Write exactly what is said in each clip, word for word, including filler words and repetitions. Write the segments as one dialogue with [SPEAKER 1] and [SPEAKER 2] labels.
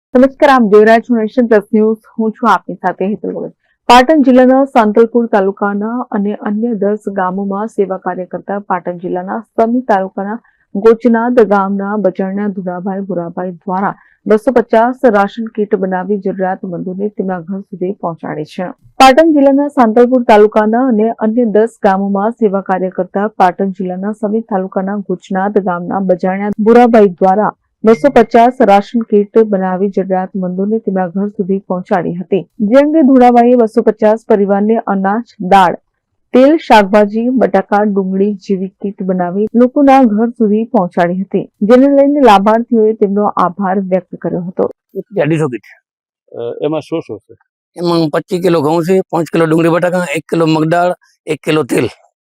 [SPEAKER 1] નમસ્કાર, આપ જોઈ રહ્યા છો નેશન પ્લસ ન્યૂઝ. હું છું આપની સાથે હેતલ ભગત. પાટણ જિલ્લાના સાંતલપુર તાલુકાના અને અન્ય દસ ગામોમાં સેવા કાર્ય કરતા પાટણ જિલ્લાના સમી તાલુકાના ગોચનાદ ગામના બચરણ્યા ધુરાભાઈ ભુરાભાઈ દ્વારા બસો પચાસ રાશન કીટ બનાવી જરૂરિયાતમંદોને તેમના ઘર સુધી પહોંચાડી છે. પાટણ જિલ્લાના સાંતલપુર તાલુકાના અને અન્ય દસ ગામોમાં સેવા કાર્ય કરતા પાટણ જિલ્લાના સમી તાલુકાના ગોચનાદ ગામના બચરણ્યા ભુરાભાઈ દ્વારા બસો પચાસ રાશન કીટ બનાવી જરૂરિયાતમંદોને તેમના ઘર સુધી પહોંચાડી હતી. જે અંગે ધુરાભાઈએ બસો પચાસ પરિવારને અનાજ, દાળ, તેલ, શાકભાજી, બટાકા, ડુંગળી જેવી કીટ બનાવી લોકોના ઘર સુધી પહોંચાડી હતી, જેને લઈને લાભાર્થીઓએ તેમનો આભાર વ્યક્ત કર્યો હતો.
[SPEAKER 2] અઢીસો કીટ
[SPEAKER 3] એમાં શું શું છે?
[SPEAKER 2] એમાં પચીસ કિલો ઘઉં છે, પાંચ કિલો ડુંગળી બટાકા, એક કિલો મગદાળ, એક કિલો તેલ.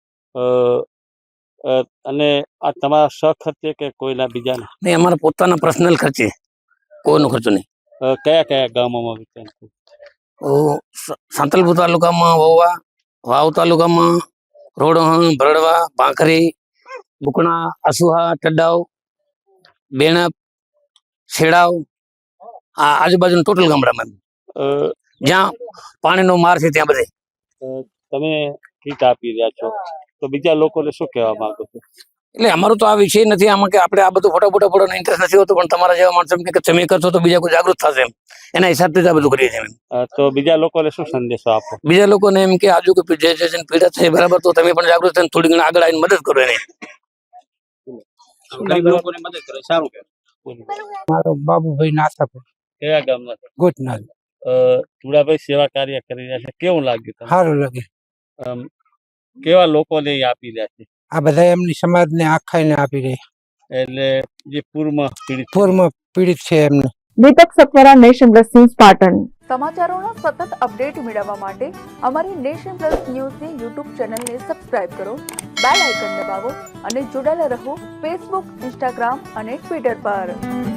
[SPEAKER 3] અને આ તમારા સખર્ચે કે કોઈના બીજાના?
[SPEAKER 2] નહીં, અમારા પોતાના પર્સનલ ખર્ચે, કોઈનો ખર્ચો નહીં.
[SPEAKER 3] કયા કયા ગામોમાં વિતરણ?
[SPEAKER 2] સાંતલપુર તાલુકામાં વોવા, વાવ તાલુકામાં રોડહણ, ભરડવા, પાંખરી, બુકણા, અસુહા, ટડાવ, બેણપ, છેડાવ, આ આજુબાજુના ટોટલ ગામડામાં જ્યાં પાણીનો માર છે ત્યાં બધે.
[SPEAKER 3] તમે કીટ આપી રહ્યા છો તો બીજા લોકોને શું કહેવા માંગો છો?
[SPEAKER 2] એટલે અમારો તો આ વિષય નથી આમાં કે આપણે આ બધું ફોટા ફોટા ફોટો ઇન્ટરેસ્ટ નથી હોતો, પણ તમારા જેવા માણસો કે તમે કરશો તો બીજા કોઈ જાગૃત થશે એમ, એના હિસાબથી જ આ બધું કરીએ છીએ.
[SPEAKER 3] તો બીજા લોકોને શું સંદેશો આપો?
[SPEAKER 2] બીજા લોકોને એમ કે આજુ કોઈ જે જે પીડા છે બરાબર, તો તમે પણ જાગૃત થઈને થોડી ઘણી આગળ આવીને મદદ કરો એને.
[SPEAKER 3] લોકોને મદદ કરે, સારું કહેવાય.
[SPEAKER 4] મારો બાબુભાઈ નાથાપુર.
[SPEAKER 3] કયા ગામના?
[SPEAKER 4] ગોચનાદ.
[SPEAKER 3] ધુરાભાઈ સેવા કાર્ય કરી રહ્યા છે, કેવું લાગ્યું?
[SPEAKER 4] સારું લાગે.
[SPEAKER 3] કેવા લોકોને આપી રહ્યા છે?
[SPEAKER 4] આ બધા એમની સમાજને આખાઈને આપી રહ્યા,
[SPEAKER 3] એટલે જે પૂરમાં પીડિત
[SPEAKER 4] પૂરમાં પીડિત છે એમને.
[SPEAKER 1] Deepak Satvara, Nation Plus News, Patan. સમાચારોનો સતત અપડેટ મેળવવા માટે અમારી નેશન પ્લસ ન્યૂઝની યુટ્યુબ ચેનલને સબસ્ક્રાઇબ કરો, બેલ આઇકન દબાવો અને જોડાયેલા રહો ફેસબુક, ઇન્સ્ટાગ્રામ અને ટ્વિટર પર.